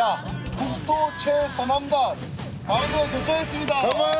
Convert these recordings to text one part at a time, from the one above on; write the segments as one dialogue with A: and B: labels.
A: 자, 국토 최서남단 강원도에 도착했습니다.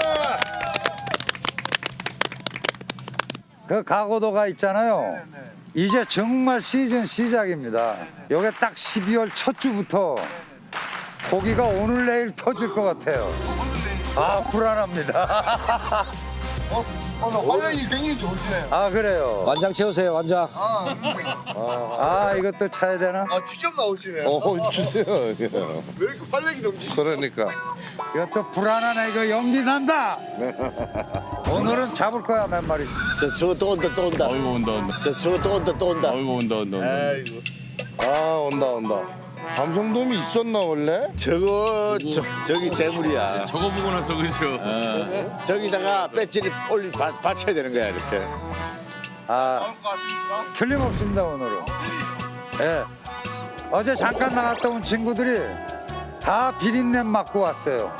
B: 그 가고도가 있잖아요.
A: 네네.
B: 이제 정말 시즌 시작입니다. 요게 딱 12월 첫 주부터 고기가 오늘 내일 터질 것 같아요. 아, 불안합니다.
A: 오늘 활력이 굉장히 좋으시네요.
B: 아, 그래요.
C: 완장 채우세요, 완장.
B: 아, 이것도 차야 되나?
A: 직접 나오시네요.
D: 주세요.
A: 왜 이렇게 활력이 넘치시죠?
D: 그러니까.
B: 이것도 불안하네. 이거 연기 난다. 오늘은 잡을 거야, 몇 마리.
C: 저거 또 온다, 또 온다.
E: 어이구 온다.
C: 저거 또 온다, 또 온다.
E: 어이구 온다.
A: 아이고.
D: 온다. 감성돔이 있었나 원래?
C: 저기 재물이야.
E: 저거 보고 나서 그죠.
C: 저기다가 배지를 받쳐야 되는 거야, 이렇게.
B: 아,
A: 나올 것 같습니까?
B: 틀림없습니다, 오늘은. 예. 어제 잠깐 나갔다 온 친구들이 다 비린내 맡고 왔어요.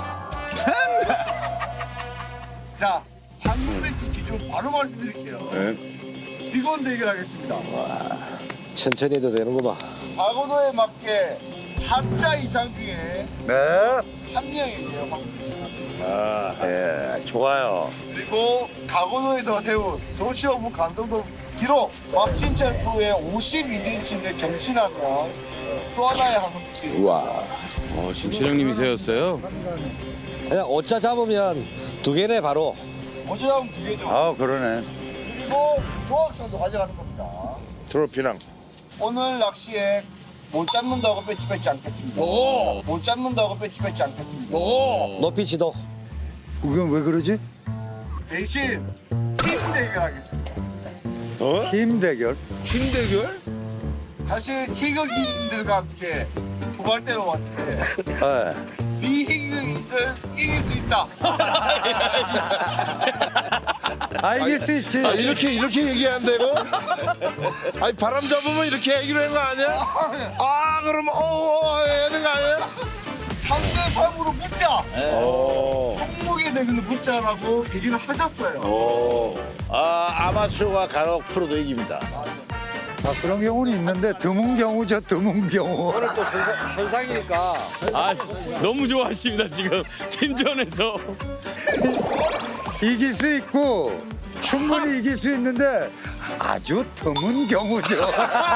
A: 자, 황금 배지 기준 바로 말씀드릴게요. 비건 대결하겠습니다.
C: 천천히 해도 되는 거 봐.
A: 과거도에 맞게 4자 이상 중에
B: 네.
A: 한 명이에요. 황금 배지.
C: 예, 좋아요.
A: 그리고 강원도에서 세운 도시어부 감독도 기록 박진철 프로의 52인치를 경신하면 또 하나의 황금빛이
C: 우와.
E: 신철 형님이 세웠어요.
C: 그냥 오자 잡으면 두 개네, 바로.
A: 어쩌면 두 개죠.
B: 아, 그러네.
A: 그리고 조합상도 가져가는 겁니다.
D: 트로피랑.
A: 오늘 낚시에 못 잡는다고 배치 뺏지 않겠습니다. 못 잡는다고 배치 뺏지 않겠습니다.
C: 높이 지도.
B: 그건 왜 그러지?
A: 대신 팀 대결하겠습니다.
B: 팀 대결?
C: 팀 대결?
A: 사실 희극인들과 함께 후발대로 왔는데
B: 네.
A: 비희극인들 이길 수 있다.
B: 아, 이길 수 있지.
D: 이렇게 얘기한대 이거? 아니 바람 잡으면 이렇게 얘기를 하는 거 아니야? 아 그러면 해야 되는 거 아니야?
A: 3대 3으로 붙자. 종목의 대결로 붙자라고 얘기를 하셨어요.
C: 아마추어가 간혹 프로도 이깁니다.
B: 아, 그런 경우는 있는데 드문 경우죠, 드문 경우.
C: 또 선상이니까.
E: 너무 좋아하십니다 지금 팀전에서.
B: 이길 수 있고 충분히 이길 수 있는데 아주 드문 경우죠.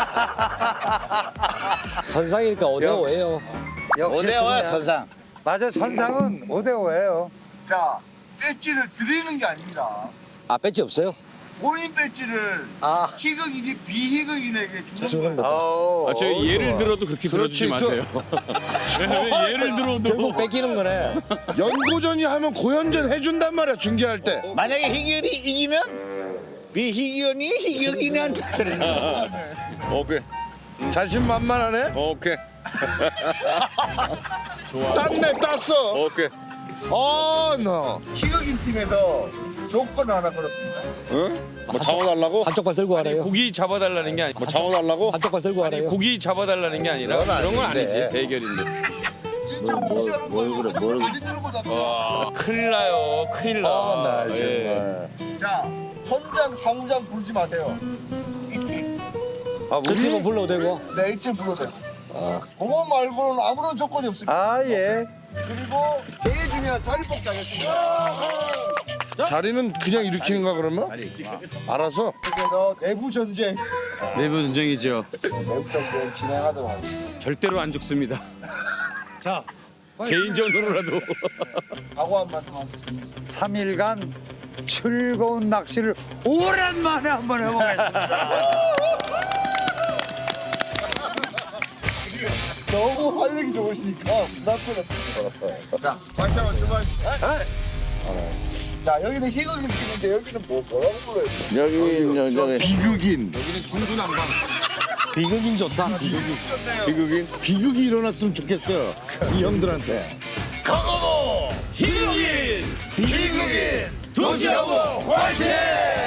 C: 선상이니까 5대5예요.
B: 역시
C: 5대5야,
B: 승리야.
C: 선상.
B: 맞아, 선상은 5대5예요.
A: 자, 배지를 드리는 게 아닙니다.
C: 배지 없어요?
A: 본인 배지를 희극인이 비희극인에게 주는 거예요.
E: 저희 예를 들어도 그렇게 들어주지 마세요. 예를 들어도.
C: 결국 뺏기는 거네.
D: 연고전이 하면 고연전 해준단 말이야 중계할 때.
C: 만약에 희귀연이 이기면 비희귀연이 희귀인한테 드리는
D: 오케이. 자신만만하네.
F: 오케이.
D: 땄네 땄어.
F: 오케이.
D: 나.
A: 희극인 팀에서 조건 하나 걸었습니다.
F: 응? 뭐 잡아달라고?
C: 한쪽 발 들고 하래요.
E: 고기 잡아달라는 게 아니.
F: 뭐 잡아달라고?
C: 한쪽 발 들고 하래요.
E: 고기 잡아달라는 게 아니라 그런 건 아니지 대결인데.
A: 진짜 무시하는 거예요. 다리 들고 다녀.
E: 큰일 나요. 큰일 나. 예.
A: 자, 현장 사무장 부르지 마세요. 이팀.
B: 아,
C: 저 팀은 불러도 되고.
A: 네, 이팀 불러도 돼요. 그거 말고는 아무런 조건이 없습니다.
B: 아, 예.
A: 그리고 제일 중요한 자리 뽑기 하겠습니다.
D: 자리는 그냥 일으키는가 그러면? 알아서.
A: 그래서 내부 전쟁,
E: 내부 전쟁이죠.
A: 내부 전쟁 진행하도록 하겠습니다.
E: 절대로 안 죽습니다.
A: 자,
E: 개인전으로라도.
A: 각오 한 말씀 하겠습니다.
B: 3일간 즐거운 낚시를 오랜만에 한번 해보겠습니다.
A: 너무 활력이 좋으시니까 부담스럽습니다. 자, 장장을 주말입니다. 자, 여기는 희극인 팀인데 여기는 뭐라고 불러요?
D: 여기 비극인.
E: 여기는 중구난방.
C: 비극인 좋다.
D: 비극이 일어났으면 좋겠어. 이 형들한테.
E: 강호도 희극인 비극인 도시하고 화이팅!